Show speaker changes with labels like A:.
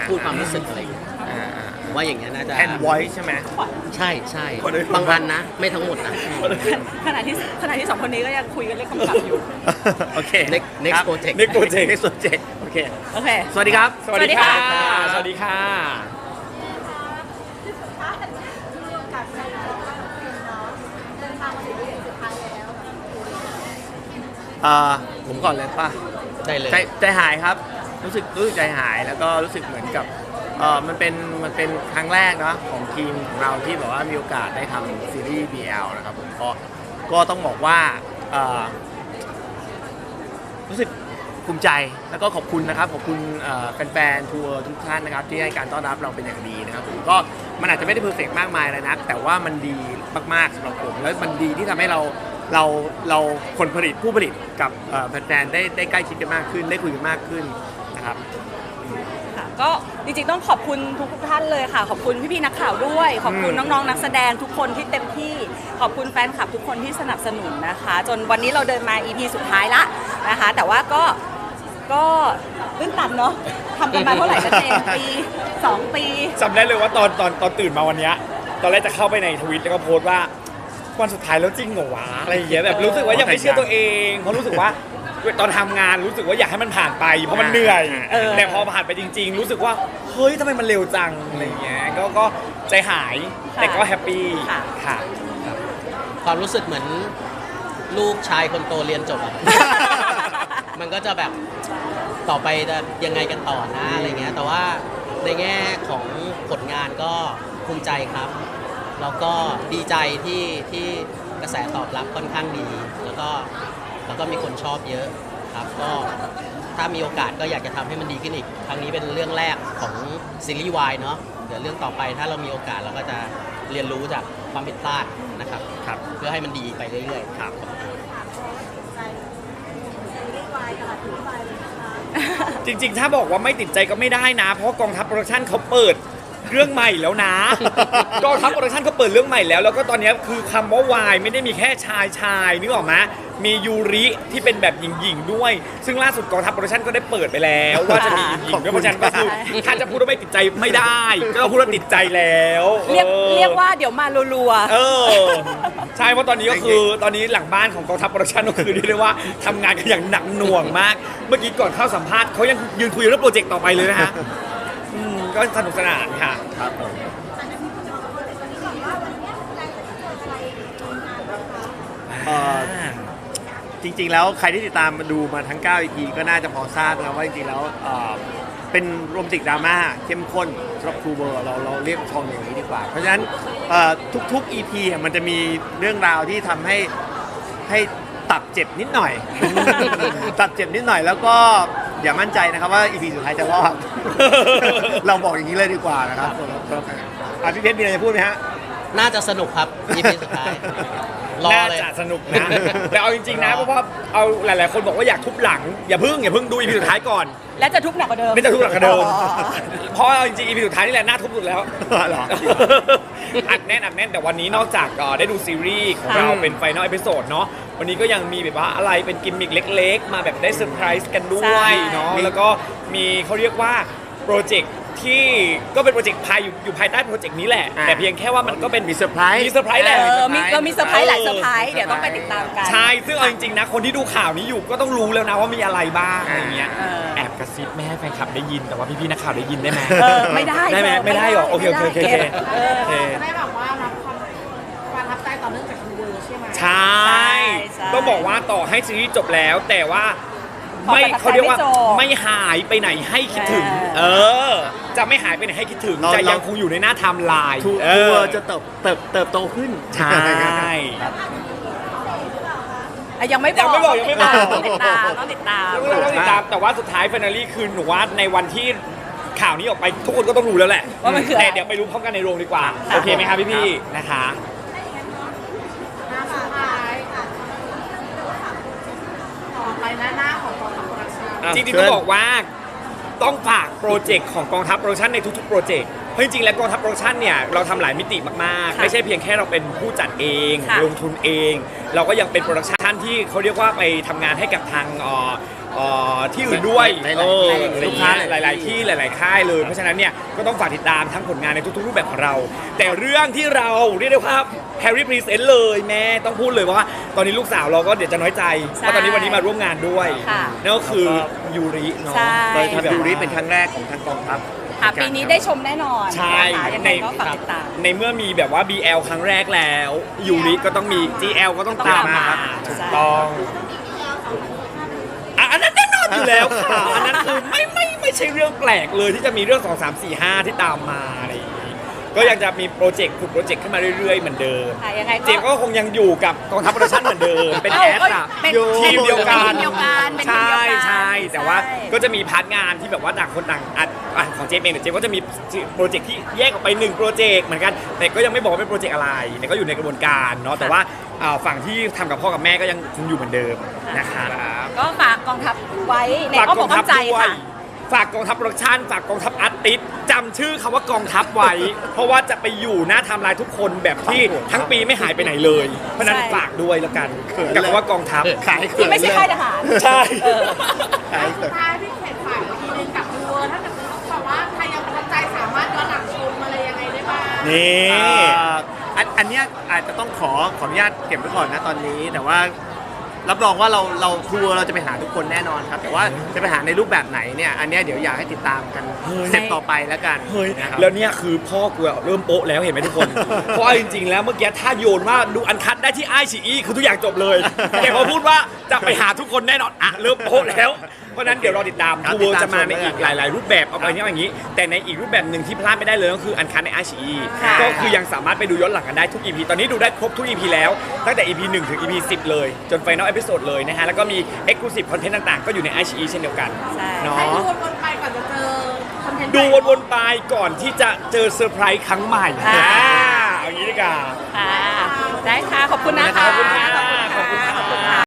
A: พูดความรู้สึกอะไรอย่างเงี้ยผมว่าอย่างเงี้ยน่าจะ
B: แอนไวท์ใช่ไหม
A: ใช่ใช่บางอันนะไม่ทั้งหมดนะ
C: ขณะที่สองคนนี้ก็ยังคุยกันเรื่องคำศัพท์อยู่
B: โอเค
A: next project
B: next project โอเค
C: โอเค
B: สวัสดีครับ
C: สวัสดีค่ะ
B: สวัสดีค่ะผมก่อนเลยป่ะ
A: ได้เลย
B: ใจหายครับรู้สึกใจหายแล้วก็รู้สึกเหมือนกับมันเป็นครั้งแรกเนาะของทีมของเราที่แบบว่ามีโอกาสได้ทำซีรีส์ BL นะครับผมก็ต้องบอกว่ารู้สึกภูมิใจแล้วก็ขอบคุณนะครับขอบคุณแฟนๆทัวร์ทุกท่านนะครับที่ให้การต้อนรับเราเป็นอย่างดีนะครับผมก็มันอาจจะไม่ได้เพอร์เฟกต์มากมายเลยนะแต่ว่ามันดีมากๆสำหรับผมแล้วมันดีที่ทำให้เราคนผลิตผู้ผลิตกับแฟนๆได้ใกล้ชิดกันมากขึ้นได้คุยกันมากขึ้นนะครับ
C: ก็จริงๆต้องขอบคุณทุกท่านเลยค่ะขอบคุณพี่ๆนักข่าวด้วยขอบคุณน้องๆนักแสดงทุกคนที่เต็มที่ขอบคุณแฟนคลับทุกคนที่สนับสนุนนะคะจนวันนี้เราเดินมา EP สุดท้ายละนะคะแต่ว่าก็ตื้นตันเนาะทำกันมาเท่าไหร่กันเองปี2 ปี
B: จำได้เลยว่าตอนตื่นมาวันนี้ตอนแรกจะเข้าไปในทวิตแล้วก็โพสต์ว่าวันสุดท้ายแล้วจริงเหรอวะอะไรอย่างเงี้ยแบบรู้สึกว่ายังไม่เชื่อตัวเองเพราะรู้สึกว่าตอนทำงานรู้สึกว่าอยากให้มันผ่านไปเพราะมันเหนื่อยแต่พอผ่านไปจริงๆรู้สึกว่าเฮ้ยทำไมมันเร็วจังอะไรอย่างเงี้ยก็ใจหายแต่ก็แฮปปี้ค่ะ
A: ความรู้สึกเหมือนลูกชายคนโตเรียนจบอะมันก็จะแบบต่อไปจะยังไงกันต่อนะอะไรเงี้ยแต่ว่าในแง่ของผลงานก็ภูมิใจครับแล้วก็ดีใจที่กระแสตอบรับค่อนข้างดีแล้วก็มีคนชอบเยอะครับก็ถ้ามีโอกาสก็อยากจะทำให้มันดีขึ้นอีกครั้งนี้เป็นเรื่องแรกของซีรีส์วายเนาะเดี๋ยวเรื่องต่อไปถ้าเรามีโอกาสเราก็จะเรียนรู้จากความผิดพลาดนะครับเพื่อให้มันดีไปเรื่อยๆครับ
B: จริงๆถ้าบอกว่าไม่ติดใจก็ไม่ได้นะเพราะกองทัพโปรดักชั่นเขาเปิดเรื่องใหม่แล้วนะกองทัพโปรดักชั่นเขาเปิดเรื่องใหม่แล้วก็ตอนนี้คือคำว่าวายไม่ได้มีแค่ชายนึกออกไหมมียูริที่เป็นแบบหญิงๆด้วยซึ่งล่าสุดกองทัพโปรดักชั่นก็ได้เปิดไปแล้วว่าจะมีหญิงด้วยเพราะฉะนั้นก็คือถ้าจะพูดว่าไม่ติดใจไม่ได้ก็พูดว่าติดใจแล้ว
C: เรียกว่าเดี๋ยวมารัว
B: ๆใช่เพราะตอนนี้ก็คือตอนนี้หลังบ้านของกองทัพโปรดักชั่นก็คือเรียกได้ว่าทำงานกันอย่างหนักหน่วงมากเมื่อกี้ก่อนเข้าสัมภาษณ์เขายังยืนคุยเรื่องโปรเจกต์ต่อไปเลยนะฮะก็สนุกสนานค่ะครับผมจริงๆแล้วใครที่ติดตามมาดูมาทั้ง9 EP ก็น่าจะพอทราบแล้วว่าจริงๆแล้วเป็นโรแมนติกดราม่าเข้มข้นสำหรับทูเบอร์เราเรียกชองอย่างนี้ดีกว่าเพราะฉะนั้นทุกๆ EP มันจะมีเรื่องราวที่ทำให้ตับเจ็บนิดหน่อย ตับเจ็บนิดหน่อยแล้วก็อย่ามั่นใจนะครับว่า EP สุดท้ายจะรอด เราบอกอย่างนี้เลยดีกว่านะครับพี่เพชรมีอะไรจะพูดไหมฮะ
A: น่าจะสนุกครับ EP สุดท้าย
B: น่าจะสนุกนะแต่เอาจริงๆนะเพราะว่าเอาหลายๆคนบอกว่าอยากทุบหลังอย่าเพิ่งดู EP สุดท้ายก่อน
C: และจะทุบหนักกว่าเดิม
B: ไม่จะทุบหนักกว่าเดิมเพราะจริงๆ EP สุดท้ายนี่แหละน่าทุบสุดแล้วเหรออัดแน่นแต่วันนี้นอกจากได้ดูซีรีส์ของเราเป็นไฟนอลเอพิโซดเนาะวันนี้ก็ยังมีแบบว่าอะไรเป็นกิมมิคเล็กๆมาแบบได้เซอร์ไพรส์กันด้วยเนาะแล้วก็มีเขาเรียกว่าโปรเจกต์ที่ก็เป็นโปรเจกต์อยู่ภายใต้โปรเจกต์นี้แหละแต่เพียงแค่ว่ามันก็เป็นมีเซอร์ไพรส์แหละ
C: เรามีเซอร์ไพรส์หลายเซอร์ไพรส์เดี๋ยวต้องไปติดตามกัน
B: ใช่ซึ่งเอาจริงๆนะคนที่ดูข่าวนี้อยู่ก็ต้องรู้แล้วนะว่ามีอะไรบ้างอะไรเงี้ยแอบกระซิบไม่ให้แฟนคลับได้ยินแต่ว่าพี่ๆนักข่าวได้ยินได้ไหม
C: ไม่ได้
B: ไหมไม่ได้หรอโอเค
D: จะได้แบบว่ารับความรับใจต่อเนื่องจากทูเวอร์ใช่ไหม
B: ใช่ต้องบอกว่าต่อให้ซีรีส์จบแล้วแต่ว่าไม่เขาเรียกว่าไม่หายไปไหนให้คิดถึงจะไม่หายไปไหนให้คิดถึงจะยังคงอยู่ในหน้าไทม์ไลน์ทัวร์จะเติบโตขึ้นใช่
C: ยังไม่บอกต้องติดตาม
B: แต่ว่าสุดท้ายฟินาลี่คือหนูว่าในวันที่ข่าวนี้ออกไปทุกคนก็ต้องรู้แล้วแหละแต่เดี๋ยวไปรู้พร้อมกันในโรงดีกว่าโอเคไหมคะพี่ๆนะคะจริงๆต้องบอกว่าต้องฝากโปรเจกต์ของกองทัพโปรดักชั่นในทุกๆโปรเจกต์
E: ราะจริงๆแล้วกองทัพโปรดักชั่นเนี่ยเราทำหลายมิติมากๆ
C: ค่ะ
E: ไม่ใช่เพียงแค่เราเป็นผู้จัดเอง
C: ค่ะ
E: ลงทุนเอง เราก็ยังเป็นโปรดักชันที่เขาเรียกว่าไปทำงานให้กับทางที่อื่นด้วย
B: หลายๆ
E: เออ
B: ลูกค้า
E: หลายๆที่หลาย ๆ ค่ายเลย เพราะฉะนั้นเนี่ยก็ต้องฝากติดตามทั้งผลงานในทุกๆรูปแบบของเรา แต่เรื่องที่เราเรียกได้ว่าแฮร์รี่พรีเซนต์เลยแม่ต้องพูดเลยว่า ตอนนี้ลูกสาวเราก็เดี๋ยวจะน้อยใจเพราะตอนนี้วันนี้มาร่วมงานด้วย
C: ค่ะ
E: นั่นก็คือยูริเนาะ
C: ใช่
B: โดยทำยูริเป็นครั้งแรกของทางกองทัพ
C: ค่ะปีนี้ได้ชมแน่นอน
E: ใช่
C: นะคะยังไงก็ฝากติดตาม
E: ในเมื่อมีแบบว่า BL ครั้งแรกแล้วยูริก็ต้องมี GL ก็ต้องตามมา
C: ใช่
E: ถูกต้องอันนั้นแน่นอนอยู่แล้วค่ะ อันนั้นคือไม่ใช่เรื่องแปลกเลยที่จะมีเรื่อง 2 3 4 5 ที่ตามมาอะไรอย่างนี้ก็ยังจะมีโปรเจกต์ขุดโปรเจกต์ขึ้นมาเรื่อยๆเหมือนเดิม
C: ค่ะยังไง
E: เจมส์ก็คงยังอยู่กับกองทัพโปรดักชั่นเหมือนเดิมเป็นแอดอะ
C: เป็น
E: ทีมเดียวกัน
C: เป็นทีมเดียวกันเป็นทีม
E: ใช่
C: เดียวกัน
E: ใช่แต่ว่า
C: ใช่
E: ก็จะมีพาร์ทงานที่แบบว่าต่างคนต่างอัดของเจมส์เองเนี่ยเจมส์ก็จะมีโปรเจกต์ที่แยกออกไป1โปรเจกต์เหมือนกันแต่ก็ยังไม่บอกว่าเป็นโปรเจกต์อะไรแต่ก็อยู่ในกระบวนการเนาะแต่ว่าฝั่งที่ทำกับพ่อกับแม่ก็ยังคงอยู่เหมือนเดิมนะครับ
C: ก็ฝากกองทัพไว้ใน
E: ฝาก
C: อ้อม
E: ก
C: อ
E: อก ง
C: อ้
E: ทั
C: อ
E: พ
C: มใจ
E: ด้วย
C: ค่ะ
E: ฝากกองทัพโปรดักชั่นฝากกองทัพอาร์ติสต์จำชื่อคำว่ากองทัพไว้ เพราะว่าจะไปอยู่หน้าไทม์ไลน์ทุกคนแบบที่ทั้งปีไม่หายไปไหนเลย เพราะฉะนั้น
C: ใช่
E: ฝากด้วยแล้วกันกับคำว่ากองทัพ
B: ขายเขิ
C: ที่
B: น
C: ไม่ใช่
B: เลย
C: ค่ายทหาร
E: ใช่
B: ขายเขิน
D: ท้ายพี่เขตฝากอีกทีนึงกับดูถ้าเกิดแบบว่าใครยังประทับใจสามารถย้อนหลังชมอะไรยังไงได้บ้าง
E: นี่
B: อันเนี้ยอาจจะต้องขออนุญาตเก็บไว้ก่อนนะตอนนี้ แต่ว่ารับรองว่าเราทัวร์เราจะไปหาทุกคนแน่นอนครับ แต่ว่าจะไปหาในรูปแบบไหนเนี่ยอันเนี้ยเดี๋ยวอยากให้ติดตามกัน
E: เฮ้ย
B: สเต็ปต่อไปแล้วกัน
E: เฮ้ย
B: นะครับ
E: แล้วเนี่ยคือพ่อกูอะเริ่มโป๊ะแล้วเห็นไหมทุกคน เพราะเอาจริงๆแล้วเมื่อกี้ถ้าโยนว่าดูอันคัดได้ที่ไอชีอีคือทุกอย่างจบเลยแต่พอพูดว่าจะไปหาทุกคนแน่นอนอ่ะเริ่มโป๊ะแล้วเพราะฉะนั้นเดี๋ยวรอติดตาม
B: ครับ
E: ทัวร์
B: ติดตาม
E: จะมาใน
B: ชม
E: อีก
B: แล้วกัน
E: หลายๆรูปแบบเอาไปเนี้ยอย่างนี้ แต่ในอีกรูปแบบหนึ่งที่พลาดไม่ได้เลยก็คืออันคัดในไอชีอี
C: ค่ะ
E: ก็คือยังสามารถไปดูย้อนหลังกันได้ทุก EP ตอนนี้ดูได้ครบทุก EP แล้วตั้งแต่ EP 1 ถึง EP 10 เลยจน Final Episode เลยนะฮะแล้วก็มี Exclusive Content ต่างๆ ก็อยู่ใน iQIYI เช่นเดียวกัน
C: ใช่
E: เนา
D: ให้ดู
E: ะ
D: วนๆไปก่อนจะเจอคอนเทนต์
E: ดูวนๆไปก่อนที่จะเจอเซอร์ไพรส์ครั้งใหม่
C: ค่ะ
E: เอางี้ดีกว่า
C: ค่ะได้ค่ะ ขอบคุณนะคะ
E: ขอบคุณค่ะขอบคุณค่ะ